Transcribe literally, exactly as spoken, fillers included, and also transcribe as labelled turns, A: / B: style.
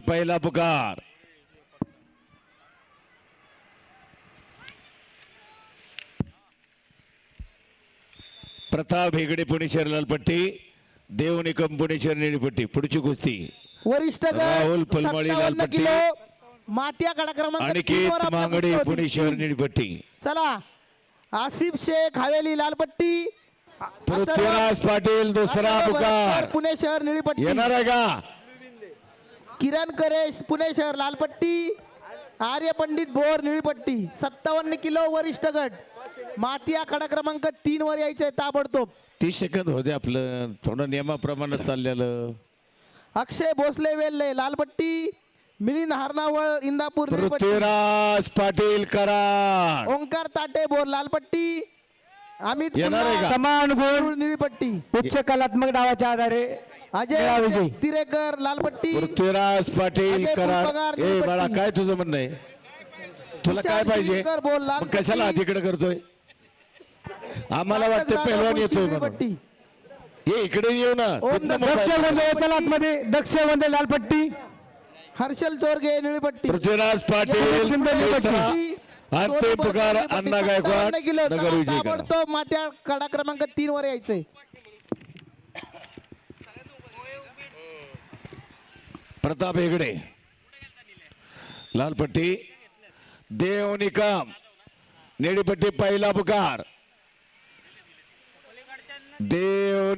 A: पहिला पुकार. प्रताप हेगडे पुणे शहर लालपट्टी, देव निकम पुणे शहर निळीपट्टी. पुढची कुस्ती
B: वरिष्ठ गट
A: राहुल पलमाळी
B: सत्तावन्न
A: लालपट्टी,
B: किलो मातिया कडा क्रमांक तीन वर
A: अनिकेत
B: आपल्या
A: मांगडे
B: कुस्ती
A: पुणे
B: होती.
A: शहर निळीपट्टी.
B: चला आसिफ शेख हवेली लालपट्टी,
A: पृथ्वीराज पाटील दुसरा
B: अथर्व
A: पुकार.
B: बरकर, पुणे शहर निळीपट्टी.
A: येणार आहे का?
B: किरण करेश पुणे शहर लालपट्टी, आर्य पंडित भोर निळीपट्टी. सत्तावन्न किलो वरिष्ठ गट मातिया कडा क्रमांक तीन वर यायचंय ताबडतोब.
A: तीस सेकंद होते आपलं, थोडं नियमाप्रमाणे चाललेलं.
B: अक्षय भोसले वेल्हे लालपट्टी, मिलिंद हारनावळ इंदापूर निळीपट्टी.
A: पृथ्वीराज पाटील कराड.
B: ओंकार ताटे बोर लालपट्टी, अमित
A: येणार आहे
B: कुंभार,
A: का?
C: समान गुण
B: निळीपट्टी.
C: उच्च कलात्मक डावाच्या आधारे
B: अजय
C: विजयी.
B: तिरेकर लालपट्टी,
A: पृथ्वीराज पाटील
B: अजय
A: कराड.
B: फुलपगार,
A: ए
B: निळपट्टी.
A: बाळा काय तुझं म्हणणं आहे? तुला काय
B: विशाल
A: पाहिजे?
B: शिवकर बोल,
A: मग
B: लालपट्टी.
A: कशाला हातीकडे करतोय? आम्हाला वाटतं
B: दादा
A: पहिलवान
B: मुळशी
A: येतोय म्हणून.
B: निळीपट्टी.
A: ये इकडे येऊ ना.
B: ओम
A: तिथनं
B: दत्त
C: दक्ष
A: मोबाईल.
C: वंदे चला आतमध्ये दक्ष वंदे लालपट्टी,
B: हर्षल चोरगे निळीपट्टी.
A: पृथ्वीराज पाटील दुसरा. अंतिम पुकार अण्णा गायकवाड नगर विजय करा.
B: ताबडतोब मात्या कडा क्रमांक तीन वर यायचंय.
A: प्रताप हेगडे लालपट्टी, देव निकम निळीपट्टी पहिला पुकार. देव